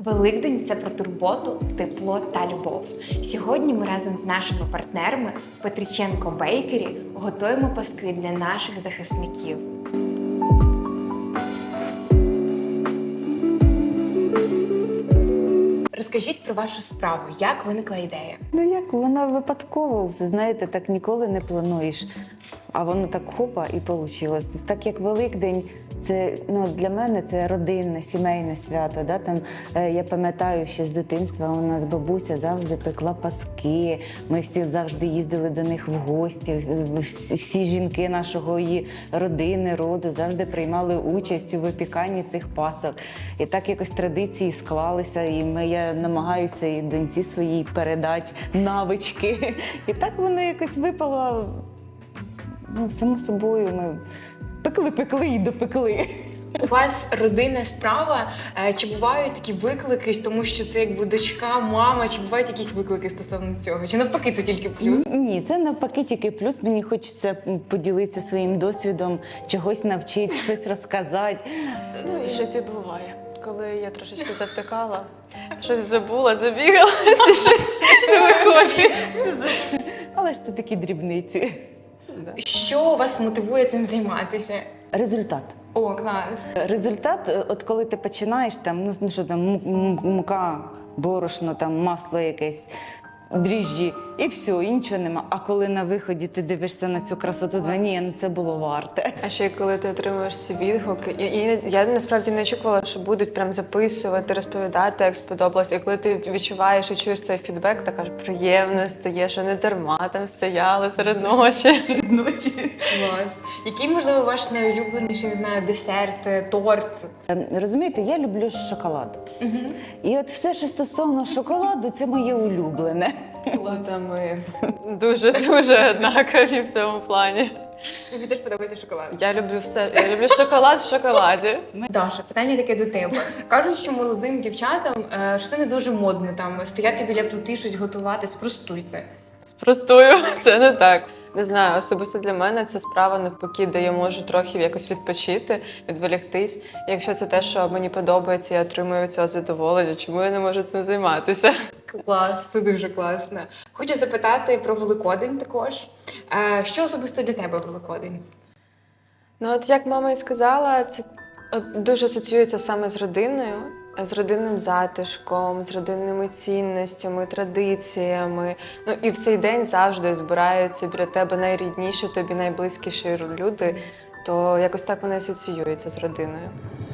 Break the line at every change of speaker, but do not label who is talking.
Великдень – це про турботу, тепло та любов. Сьогодні ми разом з нашими партнерами Петриченко Бейкері готуємо паски для наших захисників. Розкажіть про вашу справу, як виникла ідея?
Як вона випадково, знаєте, так ніколи не плануєш, а воно так хопа і вийшло. Так як Великдень, це для мене це родинне, сімейне свято. Да? Там, я пам'ятаю, ще з дитинства у нас бабуся завжди пекла паски, ми всі завжди їздили до них в гості, всі жінки нашого її родини, роду завжди приймали участь у випіканні цих пасок. І так якось традиції склалися, і я намагаюся і доньці своїй передати навички. І так воно якось випало, само собою, ми пекли і допекли.
У вас родинна справа, чи бувають такі виклики, тому що це якби дочка, мама, чи бувають якісь виклики стосовно цього? Чи навпаки це тільки плюс?
Ні, це навпаки тільки плюс. Мені хочеться поділитися своїм досвідом, чогось навчити, щось розказати.
І ще ті буває. Коли я трошечки завтикала, щось забула, забігалась і щось не виходить.
Але ж це такі дрібниці.
Що вас мотивує цим займатися?
Результат.
О, клас!
Результат, от коли ти починаєш, мука, борошно, масло якесь, дріжджі, і все, і нічого нема. А коли на виході ти дивишся на цю красоту, це було варте.
А ще коли ти отримуєш ці відгуки, я насправді не очікувала, що будуть прям записувати, розповідати, як сподобалось. І коли ти відчуваєш і чуєш цей фідбек, так аж приємно стає, що не дарма там стояли серед ночі.
Клас! Який, можливо, ваш найулюбленіший, не знаю, десерт, торт?
Розумієте, я люблю шоколад. І от все, що стосовно шоколаду, це моє улюблене.
Та ми дуже однакові в цьому плані.
Тобі теж подобається шоколад?
Я люблю все. Я люблю шоколад в шоколаді.
Даша, питання таке до тебе. Кажуть, що молодим дівчатам, що це не дуже модно стояти біля плити, щось готувати. Спростуй це.
Спростую, це не так. Не знаю, особисто для мене це справа навпаки, де я можу трохи якось відпочити, відволіктись. І якщо це те, що мені подобається, я отримую від цього задоволення, чому я не можу цим займатися?
Клас, це дуже класно. Хочу запитати про Великодень також. Що особисто для тебе Великодень?
От як мама і сказала, це дуже асоціюється саме з родиною, з родинним затишком, з родинними цінностями, традиціями. І в цей день завжди збираються біля тебе найрідніші, тобі найблизькіші люди, то якось так вони асоціюються з родиною.